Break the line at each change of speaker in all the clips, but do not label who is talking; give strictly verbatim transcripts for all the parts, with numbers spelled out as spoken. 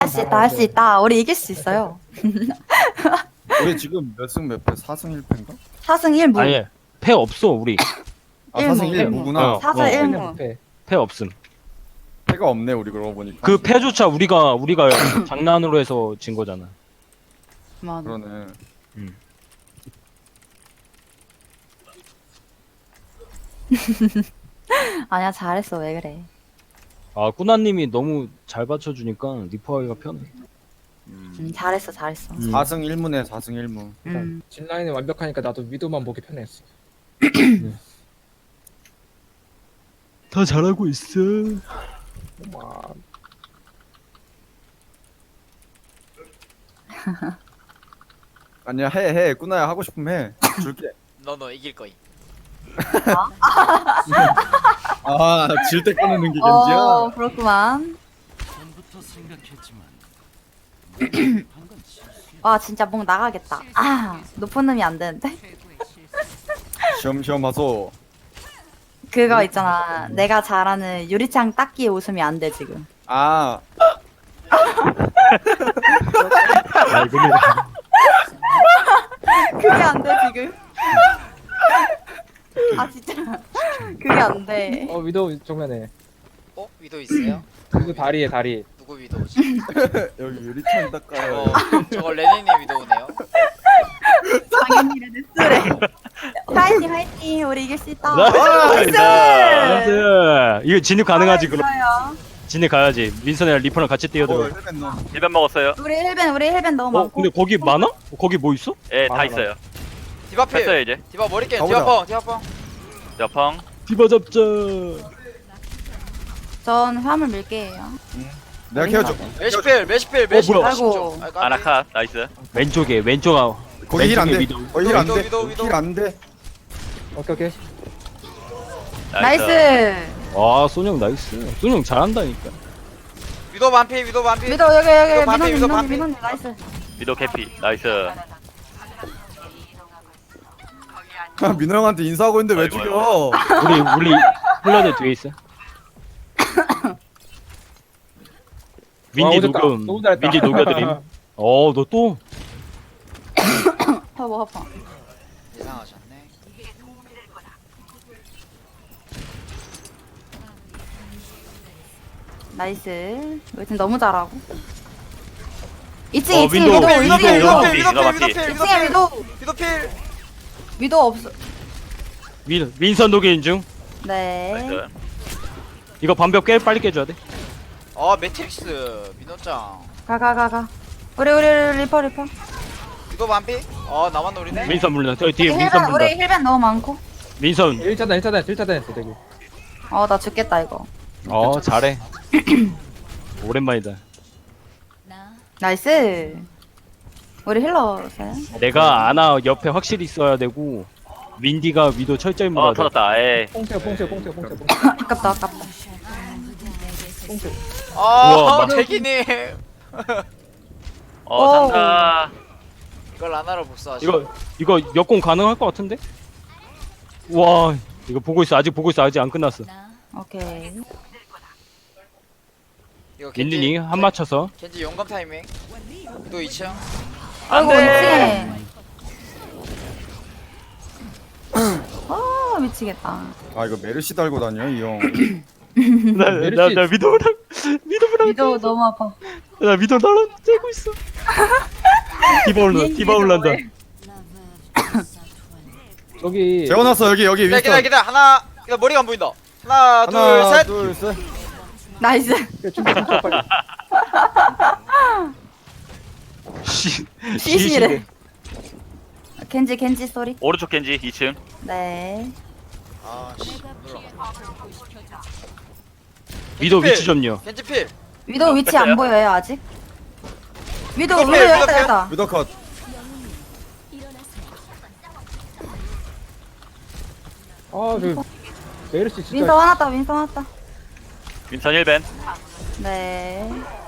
할 수 있다, 할 수 있다. 우리 이길 수 있어요.
우리 지금 몇 승 몇 패? 사 승 일 패인가?
사 승 일 무.
아니 패 없어 우리.
아 사 승
일무.
일 무구나.
어.
사 승
어.
일 무.
패 없음.
패가 없네 우리 그러고 보니까.
그 패조차 우리가 우리가 장난으로 해서 진 거잖아.
맞아.
그러네.
음.
아니야, 잘했어. 왜 그래.
아 꾸나님이 너무 잘 받쳐주니까 리퍼하기가 편해.
음.
음, 잘했어, 잘했어.
음.
사 승 일 무네 사 승 일 무.
음.
진라인이 완벽하니까 나도 위도만 보기 편했어.
다 잘하고 있어.
와,
아니야 해 해. 꾸나야 하고 싶으면 해. 줄게.
너 너 이길 거임.
아 질 때 꺼내는 게
어,
겐지야.
그렇구만. 와, 진짜 목 나가겠다. 아, 높은 놈이 안 되는데?
시험시험 하소.
그거 있잖아. 내가 잘하는 유리창 닦기 웃음이 안 돼, 지금.
아
아 이거는
그게 안 돼, 지금. 아, 진짜. 그게 안 돼.
어 위도 정면에.
어? 위도 있어요?
위도 다리에 다리.
누구 위도지?
여기 유리창 닦아요.
어, 저거 레닌님 위도우네요.
당연히 레드스래. 화이팅, 화이팅. 우리 이길 수 있다.
나이스.
나이스.
나이스. 이거 진입 가능하지 그럼.
좋아요.
진입 가야지. 민선이랑 리퍼랑 같이 뛰어들어.
어, 헬멧 넣어.
일반 먹었어요.
우리 헬벤, 우리 헬벤 너무
어
많고.
근데 거기 많아? 거기 뭐 있어?
예, 다
많아,
있어요.
디바
했어요
필.
이제.
디바 머리깨.
가보자.
디바 펑. 디바 펑.
여펑.
디바 잡자.
전 화물 밀게요.
내가 케어줘.
메시필. 메시필. 메시필.
뭐야.
아이고.
아나카 나이스.
왼쪽에 왼쪽 아.
거기 힐 안 돼.
왼쪽에 위도.
거기 힐 안 돼.
위도, 위도,
힐 안 돼.
오케이 오케이.
나이스.
아 소영 나이스. 소영 잘한다니까.
위도 반피. 위도 반피.
미도 여기 여기
위도 반피,
민호님
위도
민호님
반피.
민호님 나이스.
미도 캐피 나이스.
민호 형한테 인사하고 있는데 왜
아이고,
죽여?
우리 우리 힐러들 뒤에 있어. 민디
오졌다.
녹음.
너무 잘했다.
민디 녹여드림. 어 너 또?
허버 허버.
예상하셨네.
나이스. 우리 팀 너무 잘하고. 이 층
어,
이 층
윈도우,
위도 이
위도
층
필.
위도
위도 필.
위도
위도 필.
반피.
위도 필.
이
위도
층에
필.
위도
위도 필.
위도 없어.
민 민선 녹인 중.
네.
나이스.
이거 반벽 깨 빨리 깨줘야 돼.
아 매트릭스. 민호짱.
가 가 가 가. 우리 우리 우리 리퍼 리퍼.
위도 반피. 어 나만 노리네.
민선 물린다. 저기 뒤에
우리
민선
헬벤 우리
물린다.
헬벤 너무 많고.
민선.
일 차단 일 차단 일 차단 했어 되게.
어 나 죽겠다 이거.
어 잘해. 오랜만이다.
나이스. 우리 힐러세요?
내가 아나 옆에 확실히 있어야 되고 민디가 위도 철저히
어
물어야 돼.
터졌다. 에.
뽕채 뽕채 뽕채 뽕채 뽕채
아깝다 아깝다.
뽕채.
우와,
아
막-
대기님.
어
오.
산다.
이걸 안하러 복수하시.
이거 이거 역공 가능할 것 같은데? 와 이거 보고 있어. 아직 보고 있어. 아직 안 끝났어.
오케이.
이거
린린이 한 맞춰서.
겐지 용감 타이밍. 위도 이 층.
아이고
안돼.
미치네. 아 미치겠다.
아 이거 메르시 달고 다녀 이 형.
나나 위도랑 위도랑
위도 너무 아파.
나 위도 나랑 째고 있어. 디바 올라 디바 올란다.
저기
재워놨어 여기 여기
기다 기다
위스턴.
기다 하나. 기다 머리가 안 보인다. 하나,
하나
둘 셋.
둘 셋.
나이스.
춤춰 춤춰 빨리.
시
시시래. 겐지 겐지 소리.
오른쪽 겐지 이 층.
네.
아씨 놀라.
위도 위치 좀요.
겐지 필.
위도 위치 안
뺐어요?
보여요 아직? 위도
위도
위도
필,
여기다
위도 필.
여기다.
위더 컷.
아저 메르시 진짜.
윈서 화났다 윈서 화났다.
윈선 일 벤.
네.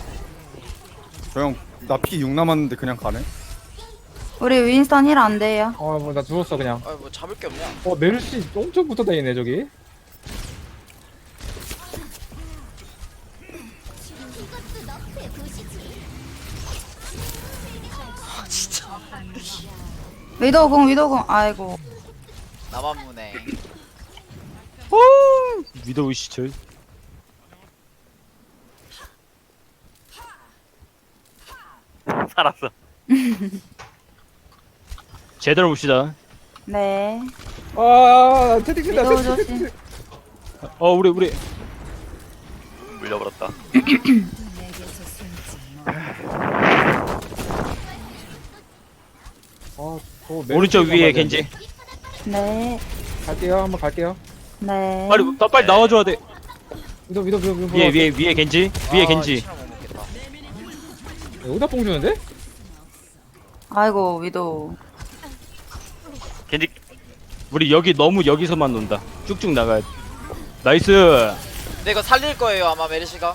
저형나 피 육 남았는데 그냥 가네.
우리 윈스턴 힐 안 돼요.
아뭐나 죽었어 그냥.
아뭐 잡을 게 없냐?
어 메르시 엄청 붙어 다니네 저기.
위도공 위도공 아이고
나만 무네.
오 위도우 시절.
살았어.
제대로 봅시다.
네
아 채팅 친다.
위도우
채팅
조심
친다.
어 우리 우리
물려버렸다.
아, 저 메르시
오른쪽
한번
위에
봐야
겐지.
되는데.
네
갈게요. 한번 갈게요.
네.
빨리 더 빨리 나와줘야 돼.
위도 위도 위도 위도.
위에 위에 위에 겐지. 위에
아,
겐지.
치료 못 먹겠다.
여기다 뽕 주는데?
아이고 위도우
겐지
우리 여기 너무 여기서만 논다. 쭉쭉 나가야 돼. 나이스.
근데 이거 살릴 거예요 아마 메르시가.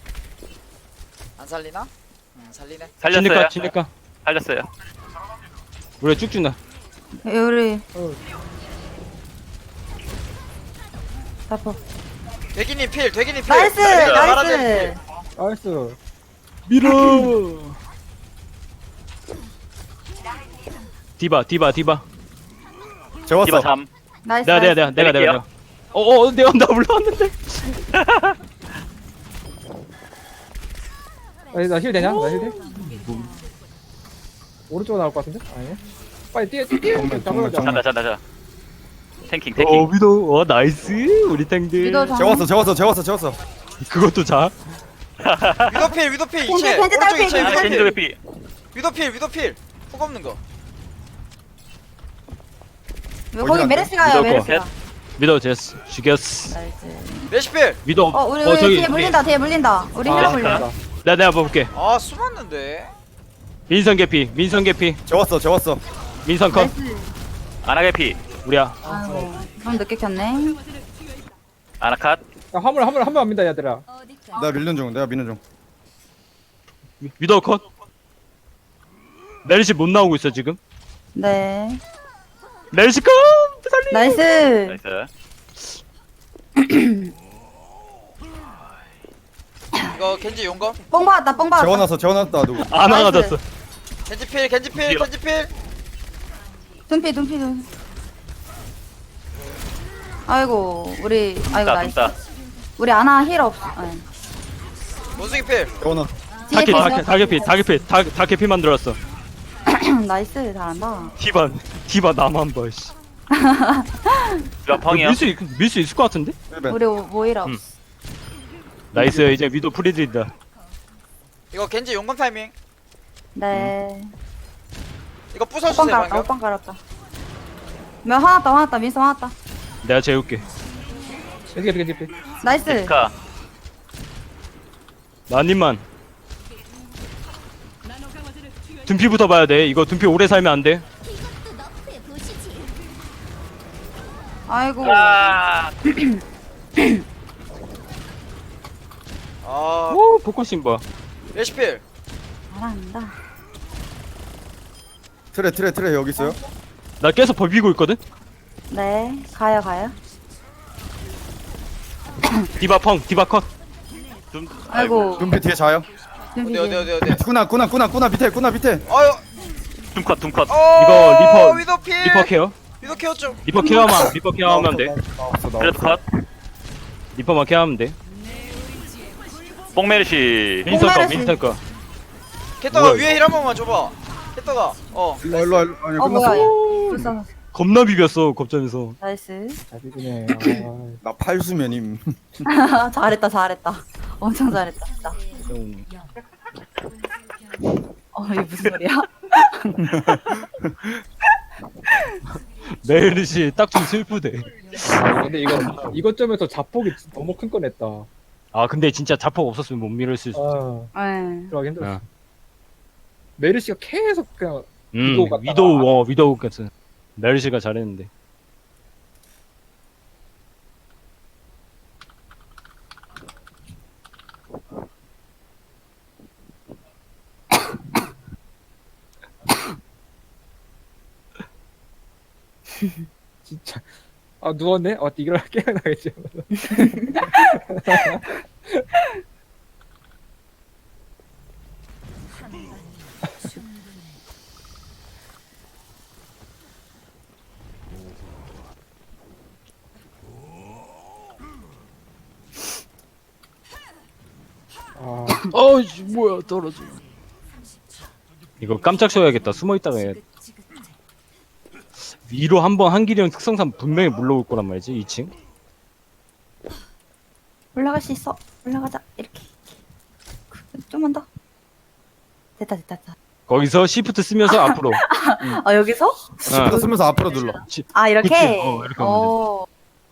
안 살리나? 응 살리네.
살렸어요.
진니까 진니까.
살렸어요.
우리 쭉쭉 나.
우리
어.
다포
대기님 필 대기님 필.
나이스 나이스
나이스.
밀어. 디바 디바 디바.
재웠어.
디바 잠.
나이스
내가 내가 내가 내가 내가 내가. 어어 내가 나 올라왔는데.
아니 나힐 되냐? 나힐 돼? 오른쪽으로 나올 것 같은데? 아니네. 빨리 뛰어 뛰어.
정면,
잡아보자.
정면.
잔다 잔다 잔다. 탱킹
어
탱킹.
위도 어 나이스 우리 탱들.
위도우 정
재웠어 재웠어 재웠어 재웠어.
그것도 자.
위도필 위도필
겐지,
이체.
겐지
오른쪽
딸피,
이체
아,
겐지
겐지
위도필.
개피.
위도필 위도필. 훅 없는 거.
왜 거기
어디
메르시
위도우
가요
거.
메르시가
위도 제스 죽였어.
나이스
메르시필.
위도
어 우리
어
우리
저기
뒤에 물린다 뒤에 물린다 우리
아,
힐러
메르시카.
물려
내가 내가 볼게.
아 숨었는데.
민선 개피 민선 개피
재웠어 재웠어.
민선 컷.
나이스
아나 개피.
우리야.
아이고 좀 늦게 켰네
아나 컷.
야, 화물 화물 한번 합니다 얘들아.
내가 밀는 중 내가 미는 중.
위도 컷. 메르시 못 나오고 있어 지금.
네
메르시 컷. 살리.
나이스
나이스.
이거 겐지 용검.
뽕 받았다 뽕 받았다
재워놨어 재워놨다 누구.
안
나이스.
나가졌어.
겐지필 겐지필
드디어.
겐지필.
둔피 둔피 둔 아이고 우리 아이고
dum다
나이스
dum다.
우리 아나 힐 없어 아니.
원숭이필.
재워놨.
뒤에
다개
계셔.
다개 다개피 다개피 다다 개피 만들었어.
나이스 잘한다
디바 디바 나만 봐. 씨.
몇 펑이야?
밀수 밀 수 있을 것 같은데?
힐벤.
우리 오- 모이라
음.
없어
나이스 이제 위도 프리드린다.
이거 겐지 용검 타이밍.
네
이거
오빵
부숴주세요
깔았다
방금.
오빵 깔았다 몇 화났다 화났다 민서 화났다
내가 재울게.
겐지 겐지 겐지.
나이스
데스카.
나님만. 둔피부터 봐야 돼. 이거 둔피 오래 살면 안 돼.
아이고
아.
아
오 포커싱 봐.
메르시필.
잘한다
트레 트레 트레 여기 있어요.
나 계속 버비고 있거든.
네 가요 가요
디바 펑 디바 컷.
둠.
아이고
눈빛 뒤에 자요.
어디 어디 어디 어디.
꾸나 꾸나 꾸나 꾸나 밑에 꾸나 밑에.
아유.
둠컷 둠컷.
어.
이거 리퍼-
위도필.
리퍼 케어.
위도 케어 좀.
리퍼 케어만 리퍼 케어하면 돼.
나왔어
그래도
나왔어.
컷.
리퍼만 케어하면 돼.
뽕메르시.
민선 거
뽕메르시.
민선 거.
캐터가
뭐야,
위에 힐 한 번만 줘봐. 캐터가. 어.
일로 와, 일로 와, 일로 와. 아니
어 뭐야
끝났어.
얘 불쌍
겁나 비볐어 겁점에서.
나이스
잘 비비네. 아,
나 팔수면임.
잘했다 잘했다 엄청 잘했다 진짜
음.
어 이게 무슨 소리야
메르시 딱 좀 슬프대.
아, 근데 이거 이것 점에서 자폭이 너무 큰 거 냈다.
아 근데 진짜 자폭 없었으면 못 밀었을 수.
아
네
들어가기 힘들어.
어.
메르시가 계속 그냥
음
위도우 같다.
위도우 어 위도우 같은. 메르시가 잘했는데.
진짜 아 누웠네? 어 이걸 깨어나겠지.
어이 뭐야 떨어져. 이거 깜짝 쉬어야겠다. 숨어 있다가 해야 돼. 위로 한번 한길이 형 특성상 분명히 물러올 거란 말이지. 이 층.
올라갈 수 있어. 올라가자. 이렇게. 좀만 더. 됐다 됐다 됐다.
거기서 시프트 쓰면서 앞으로.
아 여기서?
시프트 쓰면서 앞으로 눌러.
아 이렇게?
그치? 어, 이렇게 하면
어.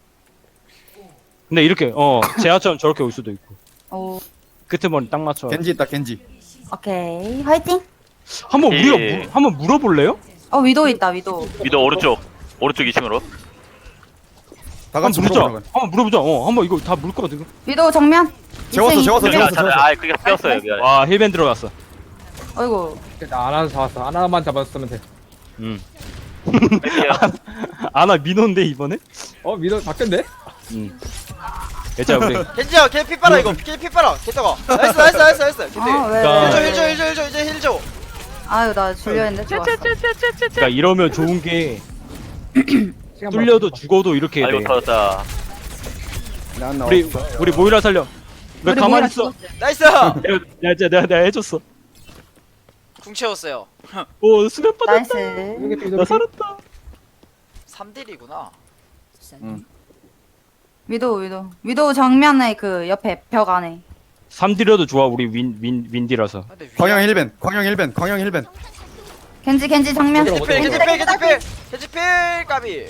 근데 이렇게 어 제아처럼 저렇게 올 수도 있고.
어.
끄트머리 딱 맞춰.
겐지 있다 겐지.
오케이. 화이팅.
한번
예.
우리가 물, 한번 물어볼래요?
어 위도 있다 위도.
위도 오른쪽 오른쪽 이 층으로.
다
한번
같이
물어보자.
물어보자.
한번 물어보자. 어 한번 이거 다 물 거거든.
위도 정면.
재웠어,
이층,
재웠어,
이층.
재웠어.
미안, 아 그게 뼈었어요 미안.
와 힐밴 들어갔어.
어이구.
나 하나 잡았어. 하나만 잡았으면 돼.
음.
뺄게요.
아나 민호인데 이번에?
어 미도 바뀌었네?
음. 괜찮아 우리.
겐지야 걔 피 빨아 이거 걔 피 빨아 걔다가 나이스 나이스 나이스 나이스 겐지
아 왜?
자.
힐줘
왜?
힐줘 힐줘 힐줘 이제 힐줘
아유 나 줄려했는데 좋았어.
그러니까 이러면 좋은 게
시간
뚫려도
벌었어.
죽어도 이렇게
아이고
돼.
터졌다.
난 나
우리
없어.
우리 모이라 살려. 왜
우리
가만히
모이라
있어?
죽었어요.
나이스
내가 내가 내가, 내가 해줬어.
궁 채웠어요
오 수면 빠졌다.
나이스.
이렇게 또
나
이렇게.
살았다.
삼 딜이구나
응.
위도 위도 위도 정면에 그 옆에 벽 안에.
삼 딜려도 좋아 우리 윈 윈 윈디라서.
근데 위
광영 힐벤. 광영 힐벤. 광영 힐벤.
겐지 겐지 정면.
겐지 필 겐지 필 겐지 필 겐지 필 까비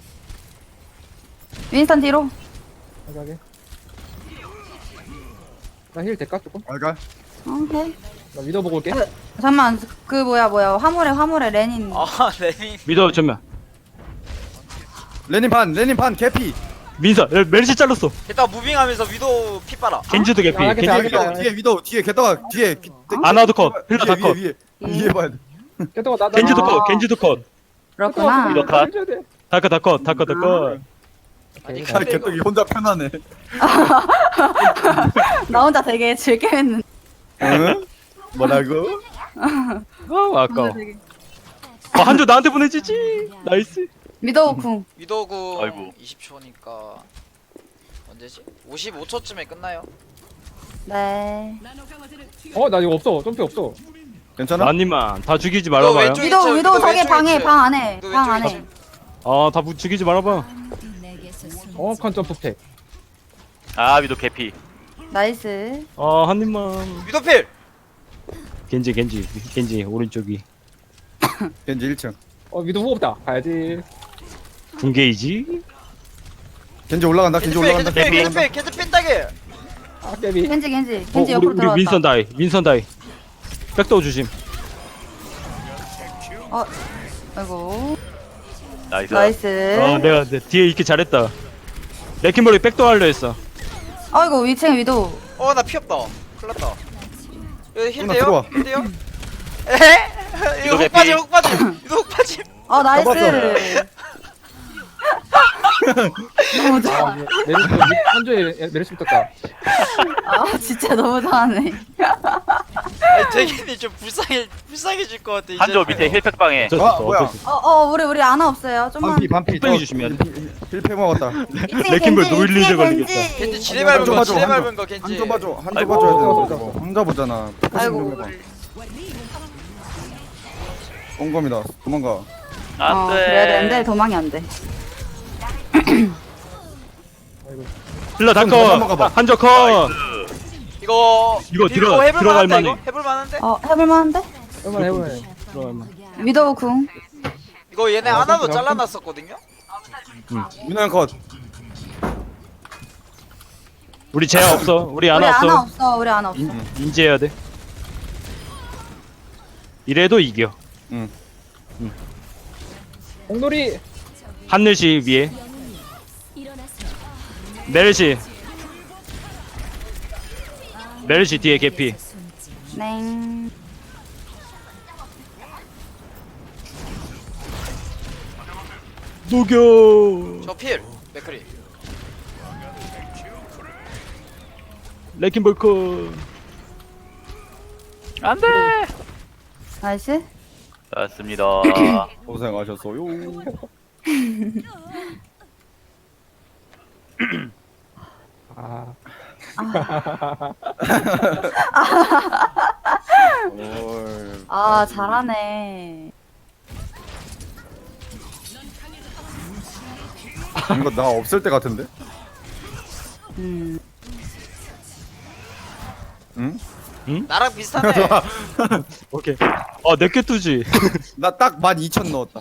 윈스턴 뒤로.
하게. 나힐 될까 조금?
알갈.
오케이.
나 미도 보고 올게.
그, 잠만 그 뭐야 뭐야 화물에 화물에 레닌.
아 레닌
미더 전면.
레닌 반. 레닌 반 개피.
민서 멜시 잘랐어.
일단 무빙하면서 위도 피 빨아
겐지도 개피.
아, 알겠다,
겐지
알겠다.
개피.
뒤에 위도 뒤에 게다가 뒤에.
아나도 컷. 힐러 다
위에
컷.
위에
예.
위에 봐야 돼.
깨도가 나.
겐지도
아.
컷. 겐지도 컷.
그렇구나.
위도 컷.
해줘야 돼.
다컷 다컷 다컷 다컷.
아니
아,
근데 이거
개떡이 혼자 편하네.
나 혼자 되게 즐겨했는데.
응? 뭐라고?
아 아까워.
되게-
어, 한조 나한테 보내주지. 나이스.
미도우 궁.
위도구
아이고.
이십 초니까 언제지? 오십오 초쯤에 끝나요
네.
어, 나 이거 없어. 점프 없어.
괜찮아?
나님만 다 죽이지
너
말아봐요.
왼쪽-
위도우
왼쪽,
위도우
왼쪽,
저기
왼쪽,
방에
왼쪽.
방 안에
너
방
왼쪽,
안에.
왼쪽.
아다 죽이지 말아봐.
정확한 점프 팩.
아 위도 개피.
나이스.
아 한입만.
위도 필
겐지 겐지 겐지 오른쪽이
겐지 일 층.
어, 미도 후보 없다. 가야지.
군게이지.
겐지 올라간다.
겐지
겐지
필
올라간다.
겐지 필
겐지
겐지
올라간다.
필 겐지 필 따길
아, 깨비.
겐지 겐지
어,
겐지
우리
옆으로
우리
들어왔다.
윈선 다이 윈선 다이. 백도어 주심.
어. 아이고.
나이스.
나이스.
어 내가 내 뒤에 있기 잘했다. 레킹볼이 백도어 하려 했어.
아이고 위층 위도우.
어나 피 없다 큰일났다 여기 힐
누나
돼요?
들어와.
힐 돼요? 에헤 이거
위도
훅 빠짐
개피.
훅 빠짐 이거 훅 빠짐
어 나이스. 너무
아,
좋아.
메르시, 한조에 메르시 붙었다.
아 진짜 너무 좋아하네.
아니 되게 좀 불쌍해 불쌍해질 것 같아 이제
한조 밑에 힐팩 방에.
어쩔 수
아,
없어.
뭐야.
어쩔 수 없어.
어어 우리 우리 아나 없어요. 좀만.
반피 반피.
뚝배기 주시면 안
힐패 먹었다.
레킹볼 노일리즈 걸리겠다.
겐지 지뢰 밟은
한조
거
봐줘,
지뢰
한조.
밟은 거 겐지
한조 봐줘. 한조
아이고.
봐줘야 돼. 저거. 혼자 보잖아.
아이고.
옹검이다. 도망가.
어 그래야 되는데
안돼.
도망이 안 돼.
힐러
좀 더 넘어가 봐.
다컷. 한조 컷.
이거
이거
밀고
들어가-
해볼
들어갈
만한데,
만해.
이거? 해볼 만한데?
어 해볼만한데?
해봐, 해봐.
들어가면.
위도우 궁.
이거 얘네
어,
하나도
그럼-
잘라놨었거든요?
민호형 컷.
우리 제야 없어. 우리
우리
아나
아나
없어.
없어. 우리 아나 없어.
인, 인지해야 돼. 이래도 이겨.
공놀이.
하늘시 위에. 메르시. 메르시 뒤에 개피.
냉.
녹여.
저 필! 맥크리
레킹볼크.
안돼.
나이스.
맞습니다.
고생하셨어요.
아,
올.
아 잘하네.
이거 나 없을 때 같은데?
음.
응?
나랑 비슷하네.
오케이. 아, 내게 투지.
나 딱 만 이천 넣었다.